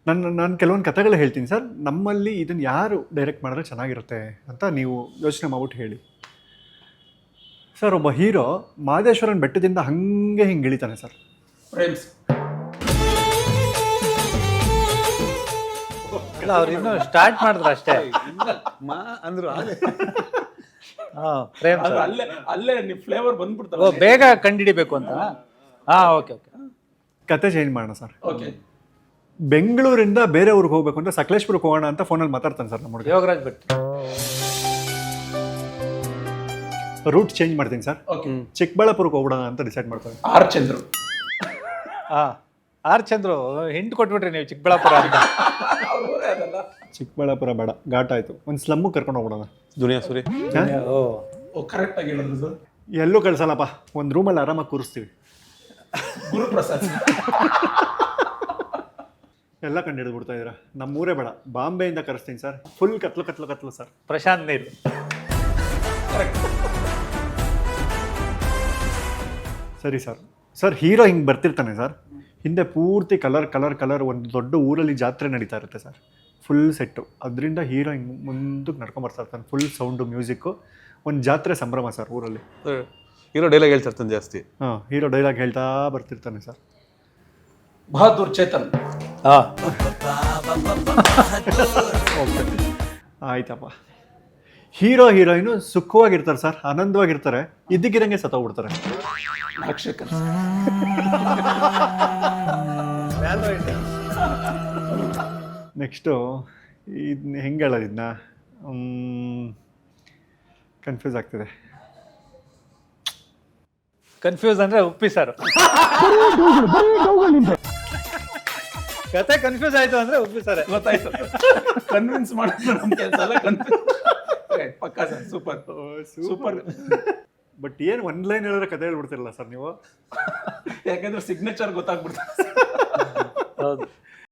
ನಾನು ಕೆಲವೊಂದು ಕಥೆಗಳು ಹೇಳ್ತೀನಿ ಸರ್. ನಮ್ಮಲ್ಲಿ ಇದನ್ನು ಯಾರು ಡೈರೆಕ್ಟ್ ಮಾಡಿದ್ರೆ ಚೆನ್ನಾಗಿರುತ್ತೆ ಅಂತ ನೀವು ಯೋಚನೆ ಮಾಡ್ಬಿಟ್ಟು ಹೇಳಿ ಸರ್. ಒಬ್ಬ ಹೀರೋ ಮಹದೇಶ್ವರನ ಬೆಟ್ಟದಿಂದ ಹಂಗೆ ಹಿಂಗೆ ಇಳಿತಾನೆ ಸರ್. ಫ್ರೇಮ್ಸ್. ಇಲ್ಲ, ಅವ್ರು ಇನ್ನೂ ಸ್ಟಾರ್ಟ್ ಮಾಡಿದ್ರು ಅಷ್ಟೇ. ಅಂದ್ರು ಪ್ರೇಮ್ ಅದು ಅಲ್ಲೇ ನೀವು ಫ್ಲೇವರ್ ಬಂದ್ಬಿಡ್ತಾರೆ. ಓ, ಬೇಗ ಕಂಡಿಡಿಬೇಕು ಅಂತ. ಓಕೆ. ಕತೆ ಚೇಂಜ್ ಮಾಡೋಣ ಸರ್. ಓಕೆ. ಬೆಂಗಳೂರಿಂದ ಬೇರೆ ಊರಿಗೆ ಹೋಗ್ಬೇಕು ಅಂತ ಸಕಲೇಶ್ಪುರಕ್ಕೆ ಹೋಗೋಣ ಅಂತ ಫೋನಲ್ಲಿ ಮಾತಾಡ್ತಾನೆ ಸರ್ ನಮ್ಮ ಹುಡುಗ. ಯೋಗರಾಜ್ ಭಟ್. ರೂಟ್ ಚೇಂಜ್ ಮಾಡ್ತೀನಿ ಸರ್. ಓಕೆ. ಚಿಕ್ಕಬಳ್ಳಾಪುರಕ್ಕೆ ಹೋಗೋಣ ಅಂತ ಡಿಸೈಡ್ ಮಾಡ್ತಾರೆ. R Chandru. R Chandru hint ಕೊಟ್ಬಿಟ್ರಿ ನೀವು ಚಿಕ್ಕಬಳ್ಳಾಪುರ ಅಂತ. ಅದಲ್ಲ. ಚಿಕ್ಕಬಳ್ಳಾಪುರ ಬೇಡ, ಘಾಟ ಆಯ್ತು. ಒಂದು ಸ್ಲಮ್ಮು ಕರ್ಕೊಂಡು ಹೋಗೋಣ. ದುನಿಯಾ ಸೂರಿ. ಓ ಕರೆಕ್ಟ್ ಆಗಿ ಹೇಳಿದ್ರು ಸರ್. ಎಲ್ಲೂ ಕಳ್ಸಲ್ಲಪ್ಪ, ಒಂದು ರೂಮಲ್ಲಿ ಆರಾಮಾಗಿ ಕೂರಿಸ್ತೀವಿ. ಗುರುಪ್ರಸಾದ್. ಎಲ್ಲ ಕಂಡು ಹಿಡಿದು ಬಿಡ್ತಾ ಇದ್ದೀರಾ. ನಮ್ಮೂರೇ ಬೇಡ, ಬಾಂಬೆಯಿಂದ ಕರೆಸ್ತೀನಿ ಸರ್. ಫುಲ್ ಕತ್ಲು ಸರ್. ಪ್ರಶಾಂತ್ ನೀಲ್. ಸರಿ ಸರ್ ಹೀರೋ ಹಿಂಗೆ ಬರ್ತಿರ್ತಾನೆ ಸರ್. ಹಿಂದೆ ಪೂರ್ತಿ ಕಲರ್ ಒಂದು ದೊಡ್ಡ ಊರಲ್ಲಿ ಜಾತ್ರೆ ನಡೀತಾ ಇರುತ್ತೆ ಸರ್. Full set. ಅದರಿಂದ ಹೀರೋ ಹಿಂಗೆ ಮುಂದಕ್ಕೆ ನಡ್ಕೊಂಡು ಬರ್ತಾ ಇರ್ತಾನೆ. ಫುಲ್ ಸೌಂಡು, ಮ್ಯೂಸಿಕ್ಕು, ಒಂದು ಜಾತ್ರೆ ಸಂಭ್ರಮ ಸರ್ ಊರಲ್ಲಿ. ಹೀರೋ ಡೈಲಾಗ್ ಹೇಳ್ತಿರ್ತಾನೆ ಜಾಸ್ತಿ. ಹೀರೋ ಡೈಲಾಗ್ ಹೇಳ್ತಾ ಬರ್ತಿರ್ತಾನೆ ಸರ್. ಬಹದ್ದೂರ್ ಚೇತನ್. ಆಯ್ತಪ್ಪ. ಹೀರೋಯಿನು ಸುಖವಾಗಿರ್ತಾರೆ ಸರ್, ಆನಂದವಾಗಿರ್ತಾರೆ. ಇದ್ದಕ್ಕಿದಂಗೆ ಸತ್ತೋಗ್ಬಿಡ್ತಾರೆ. ನಾಕ್ಷಕನ್. ನೆಕ್ಸ್ಟು ಇದನ್ನ ಹೆಂಗೆ ಹೇಳೋದು, ಇದನ್ನ ಕನ್ಫ್ಯೂಸ್ ಆಗ್ತಿದೆ. ಕನ್ಫ್ಯೂಸ್ ಅಂದ್ರೆ ಉಪ್ಪಿ ಸರ್. ಕತೆ ಕನ್ಫ್ಯೂಸ್ ಆಯ್ತು ಅಂದ್ರೆ ಉಪ್ಪಿ ಸರ್. ಗೊತ್ತಾಯ್ತು. ಕನ್ವಿನ್ಸ್ ಮಾಡೋದು ನಮ್ಮ ಕೆಲಸ ಅಲ್ಲ. ಪಕ್ಕಾ ಸರ್. ಸೂಪರ್. ಬಟ್ ಏನು ಒಂದು ಲೈನ್ ಹೇಳಿದ್ರೆ ಕತೆ ಹೇಳ್ಬಿಡ್ತಿರಲ್ಲ ಸರ್ ನೀವು. ಯಾಕಂದ್ರೆ ಸಿಗ್ನೇಚರ್ ಗೊತ್ತಾಗ್ಬಿಡ್ತಾರೆ. ಹೌದು.